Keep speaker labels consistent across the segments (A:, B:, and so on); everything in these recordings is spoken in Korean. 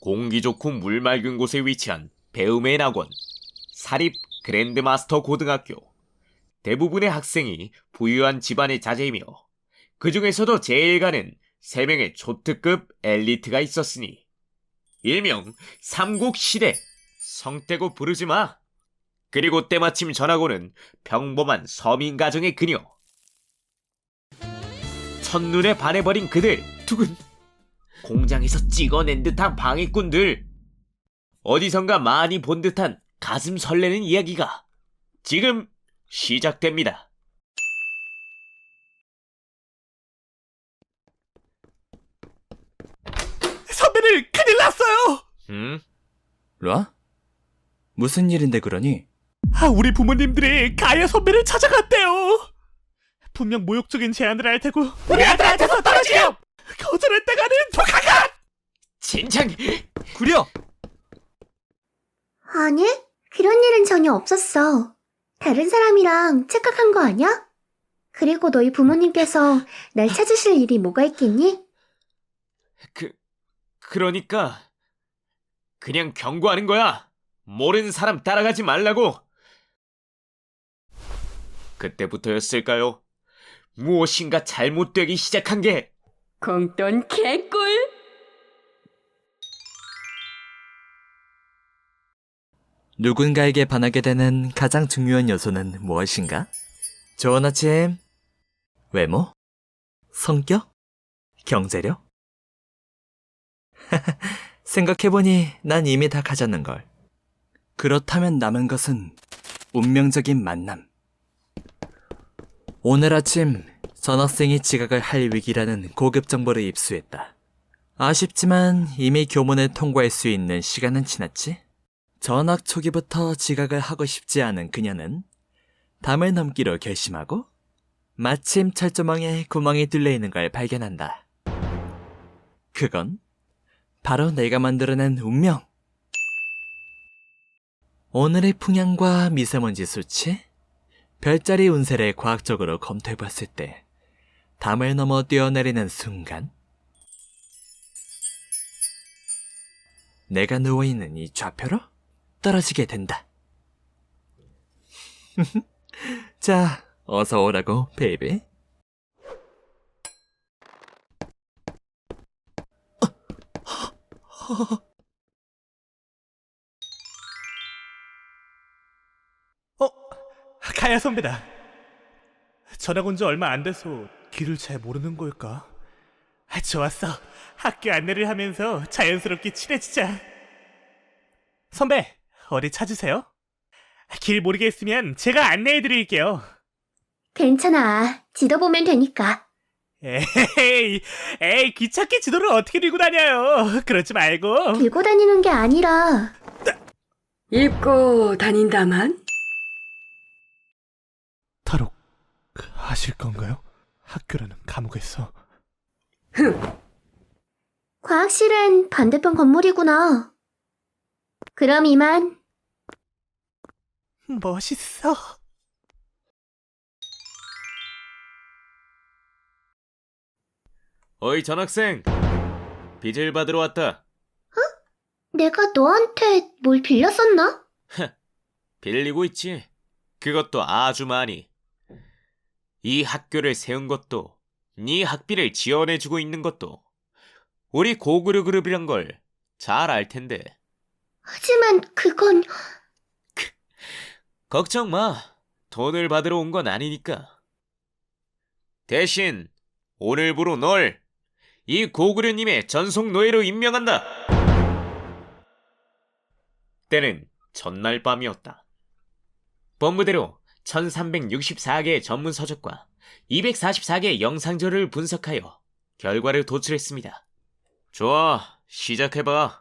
A: 공기 좋고 물 맑은 곳에 위치한 배움의 낙원, 사립 그랜드마스터 고등학교. 대부분의 학생이 부유한 집안의 자제이며 그 중에서도 제일 가는 3명의 초특급 엘리트가 있었으니 일명 삼국시대, 성떼고 부르지 마. 그리고 때마침 전하고는 평범한 서민 가정의 그녀. 첫눈에 반해버린 그들 두근. 공장에서 찍어낸 듯한 방해꾼들. 어디선가 많이 본 듯한 가슴 설레는 이야기가 지금 시작됩니다.
B: 선배를 큰일 났어요!
C: 로아? 무슨 일인데 그러니?
B: 우리 부모님들이 가야 선배를 찾아갔대요! 분명 모욕적인 제안을 할 테고 우리 아들한테서 떨어지렴! 거절했다가는 독하가!
A: 진작
C: 구려!
D: 아니, 그런 일은 전혀 없었어. 다른 사람이랑 착각한 거 아니야? 그리고 너희 부모님께서 날 찾으실 일이 뭐가 있겠니?
A: 그러니까 그냥 경고하는 거야. 모르는 사람 따라가지 말라고. 그때부터였을까요? 무엇인가 잘못되기 시작한 게.
E: 공돈 개꿀.
C: 누군가에게 반하게 되는 가장 중요한 요소는 무엇인가? 좋은 아침. 외모? 성격? 경제력? 생각해보니 난 이미 다 가졌는걸. 그렇다면 남은 것은 운명적인 만남. 오늘 아침 전학생이 지각을 할 위기라는 고급 정보를 입수했다. 아쉽지만 이미 교문을 통과할 수 있는 시간은 지났지? 전학 초기부터 지각을 하고 싶지 않은 그녀는 담을 넘기로 결심하고 마침 철조망에 구멍이 뚫려 있는 걸 발견한다. 그건 바로 내가 만들어낸 운명. 오늘의 풍향과 미세먼지 수치, 별자리 운세를 과학적으로 검토해봤을 때 담을 넘어 뛰어내리는 순간 내가 누워있는 이 좌표로 떨어지게 된다. 자, 어서 오라고, 베이비.
B: 가야 선배다. 전학 온 지 얼마 안 돼서 길을 잘 모르는 걸까? 좋았어. 학교 안내를 하면서 자연스럽게 친해지자. 선배, 어디 찾으세요? 길 모르겠으면 제가 안내해드릴게요.
D: 괜찮아. 지도 보면 되니까.
B: 에이, 귀찮게 지도를 어떻게 들고 다녀요? 그러지 말고.
D: 들고 다니는 게 아니라
E: 입고 다닌다만?
B: 탈옥 하실 건가요? 학교라는 감옥에서.
D: 과학실은 반대편 건물이구나. 그럼 이만.
B: 멋있어.
A: 어이 전학생, 빚을 받으러 왔다.
D: 내가 너한테 뭘 빌렸었나?
A: 빌리고 있지. 그것도 아주 많이. 이 학교를 세운 것도, 네 학비를 지원해주고 있는 것도 우리 고구려 그룹이란 걸 잘 알 텐데.
D: 하지만 그건
A: 걱정 마. 돈을 받으러 온 건 아니니까. 대신 오늘부로 널 이 고구려님의 전속 노예로 임명한다. 때는 전날 밤이었다. 본부대로 1364개의 전문 서적과 244개의 영상자료를 분석하여 결과를 도출했습니다. 좋아, 시작해봐.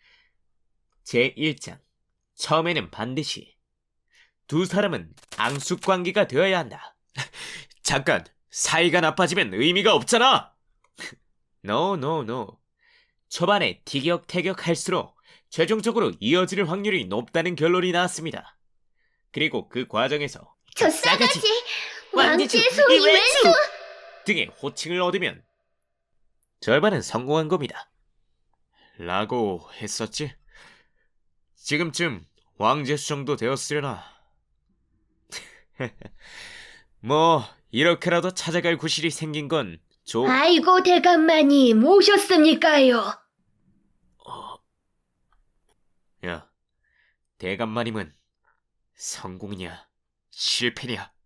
A: 제1장. 처음에는 반드시 두 사람은 앙숙관계가 되어야 한다. 잠깐, 사이가 나빠지면 의미가 없잖아. No. 초반에 티격태격할수록 최종적으로 이어질 확률이 높다는 결론이 나왔습니다. 그리고 그 과정에서
D: 저 싸가지, 왕지의 소위 왼수
A: 등의 호칭을 얻으면 절반은 성공한 겁니다. 라고 했었지? 지금쯤 왕제 수정도 되었으려나. 뭐 이렇게라도 찾아갈 구실이 생긴 건
E: 아이고 대감마님 오셨습니까요?
A: 야, 대감마님은 성공이냐 실패냐?